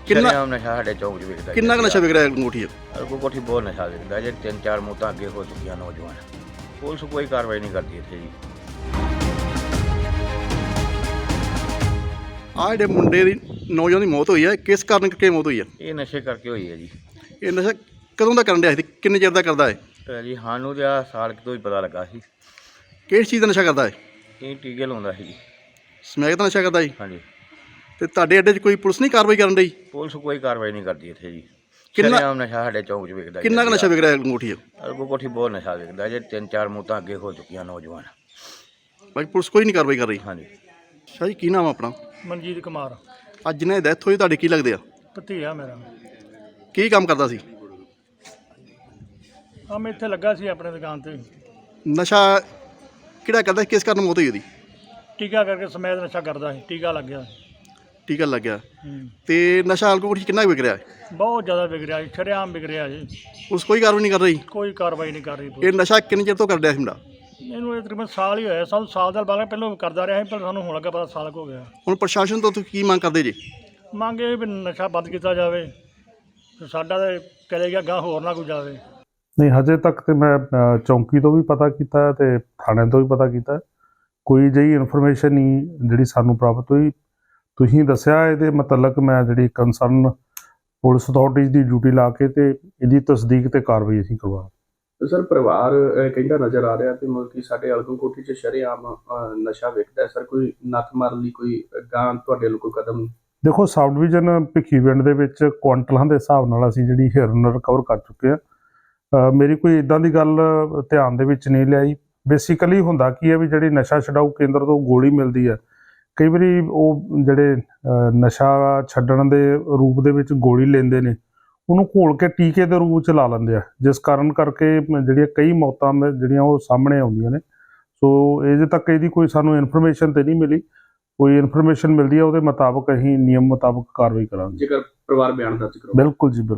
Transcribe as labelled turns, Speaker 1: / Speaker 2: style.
Speaker 1: ਕਿੰਨਾ
Speaker 2: ਸ਼ਰੇਆਮ ਨਸ਼ਾ ਸਾਡੇ ਚੌਂਕ 'ਚ ਵਿਕਦਾ
Speaker 1: ਕਿੰਨਾ ਕੁ ਨਸ਼ਾ ਵਿਕ ਰਿਹਾ ਅੰਗੂਠੀ 'ਚ?
Speaker 2: ਅਰਗੋ ਕੋਠੀ ਬਹੁਤ ਨਸ਼ਾ ਵਿਕਦਾ ਜੇ 3-4 ਮੌਤਾਂ ਅੱਗੇ ਹੋ ਚੁੱਕੀਆਂ ਨੌਜਵਾਨ। ਪੁਲਿਸ ਕੋਈ ਕਾਰਵਾਈ ਨਹੀਂ ਕਰਦੀ ਇੱਥੇ ਜੀ।
Speaker 1: ਆਹ ਜਿਹੜੇ ਮੁੰਡੇ ਦੀ ਨੌਜਵਾਨ ਦੀ ਮੌਤ ਹੋਈ ਹੈ, ਕਿਸ ਕਾਰਨ ਕਰਕੇ ਮੌਤ ਹੋਈ ਹੈ?
Speaker 2: ਇਹ ਨਸ਼ੇ ਕਰਕੇ ਹੋਈ ਹੈ ਜੀ।
Speaker 1: ਇਹ ਨਸ਼ਾ ਕਦੋਂ ਦਾ ਕਰਨ ਰਿਹਾ ਸੀ, ਕਿੰਨੇ ਚਿਰ ਦਾ ਕਰਦਾ ਹੈ?
Speaker 2: ਤੇ ਜੀ ਸਾਨੂੰ ਤਾਂ ਆਹ ਸਾਲ ਕੁ ਤੋਂ ਹੀ ਪਤਾ ਲੱਗਾ ਸੀ।
Speaker 1: ਕਿਸ ਚੀਜ਼ ਦਾ ਨਸ਼ਾ ਕਰਦਾ ਹੈ?
Speaker 2: ਇਹ ਟੀਕੇ ਲਾਉਂਦਾ ਸੀ ਜੀ।
Speaker 1: ਸਮੈਕ ਦਾ ਨਸ਼ਾ ਕਰਦਾ ਜੀ?
Speaker 2: ਹਾਂਜੀ।
Speaker 1: ਤੇ ਤੁਹਾਡੇ ਅੱਡੇ 'ਚ ਕੋਈ ਪੁਲਿਸ ਨਹੀਂ ਕਾਰਵਾਈ ਕਰਨ ਰਹੀ?
Speaker 2: ਪੁਲਿਸ ਕੋਈ ਕਾਰਵਾਈ ਨਹੀਂ ਕਰਦੀ ਇੱਥੇ ਜੀ।
Speaker 1: ਕਿੰਨਾ-
Speaker 2: ਸ਼ਰੇਆਮ ਨਸ਼ਾ ਸਾਡੇ ਚੌਂਕ 'ਚ ਵਿਕਦਾ
Speaker 1: ਕਿੰਨਾ ਕੁ ਨਸ਼ਾ ਵਿਕ ਰਿਹਾ ਅੰਗੂਠੀ 'ਚ?
Speaker 2: ਅਰਗੋ ਕੋਠੀ ਬਹੁਤ ਨਸ਼ਾ ਵਿਕਦਾ ਜੇ 3-4 ਮੌਤਾਂ ਅੱਗੇ ਹੋ ਚੁੱਕੀਆਂ ਨੌਜਵਾਨ।
Speaker 1: ਬਾਕੀ ਪੁਲਿਸ ਕੋਈ ਨਹੀਂ ਕਾਰਵਾਈ ਕਰ ਰਹੀ।
Speaker 2: ਹਾਂਜੀ।
Speaker 1: ਸ਼ਾਹ ਜੀ ਕੀ ਨਾਮ ਆ ਆਪਣਾ?
Speaker 3: ਮਨਜੀਤ ਕੁਮਾਰ
Speaker 1: ਅੱਜ ਜਿਹਨੇ ਡੈਥ ਹੋਈ ਤੁਹਾਡੇ ਕੀ ਲੱਗਦੇ ਆ?
Speaker 3: ਭਤੀਆ ਮੇਰਾ।
Speaker 1: ਕੀ ਕੰਮ ਕਰਦਾ ਸੀ?
Speaker 3: ਆ ਮੈਂ ਇੱਥੇ ਲੱਗਾ ਸੀ ਆਪਣੇ ਦੁਕਾਨ ਤੇ,
Speaker 1: ਨਸ਼ਾ ਕਿਹੜਾ ਕਰਦਾ ਸੀ? ਕਿਸ ਕਾਰਨ ਮੌਤ ਹੋਈ ਉਹਦੀ?
Speaker 3: ਟੀਕਾ ਕਰਕੇ ਸਮੈਦ ਨਸ਼ਾ ਕਰਦਾ ਸੀ, ਟੀਕਾ ਲੱਗ ਗਿਆ।
Speaker 1: ਟੀਕਾ ਲੱਗਿਆ। ਤੇ ਨਸ਼ਾ ਅੰਗੂਠੀ 'ਚ ਕਿੰਨਾ ਕੁ ਵਿਕ ਰਿਹਾ ਹੈ?
Speaker 3: ਬਹੁਤ ਜ਼ਿਆਦਾ ਵਿਕ ਰਿਹਾ ਜੀ, ਸ਼ਰੇਆਮ ਵਿਕ ਰਿਹਾ ਜੀ।
Speaker 1: ਪੁਲਿਸ ਕੋਈ ਕਾਰਵਾਈ ਨਹੀਂ ਕਰ ਰਹੀ।
Speaker 3: ਕੋਈ ਕਾਰਵਾਈ ਨਹੀਂ ਕਰ ਰਹੀ
Speaker 1: ਇਹ
Speaker 3: ਪੁਲਿਸ।
Speaker 1: ਨਸ਼ਾ ਕਿੰਨੇ ਚਿਰ ਤੋਂ ਕਰ ਰਿਹਾ ਸੀ ਮੁੰਡਾ?
Speaker 3: ਇਹਨੂੰ ਇਹ ਤਕਰੀਬਨ ਸਾਲ ਹੀ ਹੋਇਆ, ਸਾਨੂੰ ਸਾਲ ਦਾ ਬਾਅਦ ਪਹਿਲਾਂ ਕਰਦਾ ਰਿਹਾ ਸੀ, ਪਰ ਸਾਨੂੰ ਹੁਣ ਲੱਗਾ ਪਤਾ ਸਾਲ ਕੁ ਹੋ ਗਿਆ।
Speaker 1: ਹੁਣ ਪ੍ਰਸ਼ਾਸਨ ਤੋਂ ਤੁਸੀਂ ਕੀ ਮੰਗ ਕਰਦੇ ਜੀ?
Speaker 3: ਮੰਗ ਇਹ ਵੀ ਨਸ਼ਾ ਬੰਦ ਕੀਤਾ ਜਾਵੇ ਤੇ ਸਾਡਾ ਤਾਂ ਚਲੇ ਗਿਆ ਗਾਂ, ਹੋਰ ਨਾ ਕੋਈ ਜਾਵੇ।
Speaker 4: ਨਹੀਂ, ਹਜੇ ਤੱਕ ਤੇ ਮੈਂ ਚੌਂਕੀ ਤੋਂ ਵੀ ਪਤਾ ਕੀਤਾ ਹੈ ਤੇ ਥਾਣੇ ਤੋਂ ਵੀ ਪਤਾ ਕੀਤਾ ਹੈ। ਕੋਈ ਜਿਹੀ ਇਨਫੋਰਮੇਸ਼ਨ ਨਹੀਂ ਜਿਹੜੀ ਸਾਨੂੰ ਪ੍ਰਾਪਤ ਹੋਈ। ਤੁਸੀਂ ਦੱਸਿਆ ਇਹਦੇ ਮੁਤਲਕ ਮੈਂ ਜਿਹੜੀ ਕੰਸਰਨ ਪੁਲਿਸ ਅਥਾਰਟੀਜ਼ ਦੀ ਡਿਊਟੀ ਲਾ ਕੇ ਤੇ ਇਹਦੀ ਤਸਦੀਕ ਤੇ ਕਾਰਵਾਈ ਅਸੀਂ ਕਰਵਾ।
Speaker 5: ਸਰ ਪਰਿਵਾਰ ਕਹਿੰਦਾ ਨਜ਼ਰ ਆ ਰਿਹਾ ਤੇ ਮਤਲਬ ਕਿ ਸਾਡੇ ਅਲਗੋਂ ਕੋਠੀ 'ਚ ਸ਼ਰੇਆਮ ਨਸ਼ਾ ਵਿਕਦਾ ਹੈ। ਸਰ ਕੋਈ ਨੱਥ ਮਾਰਨ ਲਈ ਕੋਈ ਗਾਂ ਤੁਹਾਡੇ ਵੱਲੋਂ ਕੋਈ ਕਦਮ?
Speaker 4: ਦੇਖੋ, ਸਬ ਡਿਵੀਜ਼ਨ ਭਿੱਖੀਵਿੰਡ ਦੇ ਵਿੱਚ ਕੁਆਂਟਲਾਂ ਦੇ ਹਿਸਾਬ ਨਾਲ ਅਸੀਂ ਜਿਹੜੀ ਹਿਰਨ ਰਿਕਵਰ ਕਰ ਚੁੱਕੇ ਹਾਂ। ਮੇਰੀ ਕੋਈ ਇਦਾਂ ਦੀ ਗੱਲ ਧਿਆਨ ਦੇ ਵਿੱਚ ਨਹੀਂ ਲਿਆਈ। ਬੇਸਿਕਲੀ ਹੁੰਦਾ ਕੀ ਹੈ ਵੀ ਜਿਹੜੀ ਨਸ਼ਾ ਛਡਾਊ ਕੇਂਦਰ ਤੋਂ ਗੋਲੀ ਮਿਲਦੀ ਹੈ, ਕਈ ਵਾਰੀ ਉਹ ਜਿਹੜੇ ਨਸ਼ਾ ਛੱਡਣ ਦੇ ਰੂਪ ਦੇ ਵਿੱਚ ਗੋਲੀ ਲੈਂਦੇ ਨੇ, ਉਹਨੂੰ ਘੋਲ ਕੇ ਟੀਕੇ ਦੇ ਰੂਪ 'ਚ ਲਾ ਲੈਂਦੇ ਆ, ਜਿਸ ਕਾਰਨ ਕਰਕੇ ਜਿਹੜੀਆਂ ਕਈ ਮੌਤਾਂ ਜਿਹੜੀਆਂ ਉਹ ਸਾਹਮਣੇ ਆਉਂਦੀਆਂ ਨੇ। ਸੋ ਅਜੇ ਤੱਕ ਇਹਦੀ ਕੋਈ ਸਾਨੂੰ ਇਨਫੋਰਮੇਸ਼ਨ ਤੇ ਨਹੀਂ ਮਿਲੀ। ਕੋਈ ਇਨਫੋਰਮੇਸ਼ਨ ਮਿਲਦੀ ਹੈ ਉਹਦੇ ਮੁਤਾਬਕ ਅਸੀਂ ਨਿਯਮ ਮੁਤਾਬਕ ਕਾਰਵਾਈ ਕਰਾਂਗੇ।
Speaker 5: ਜੇਕਰ ਪਰਿਵਾਰ ਬਿਆਨ ਦਰਜ ਕਰੋ।
Speaker 4: ਬਿਲਕੁਲ ਜੀ, ਬਿਲਕੁਲ।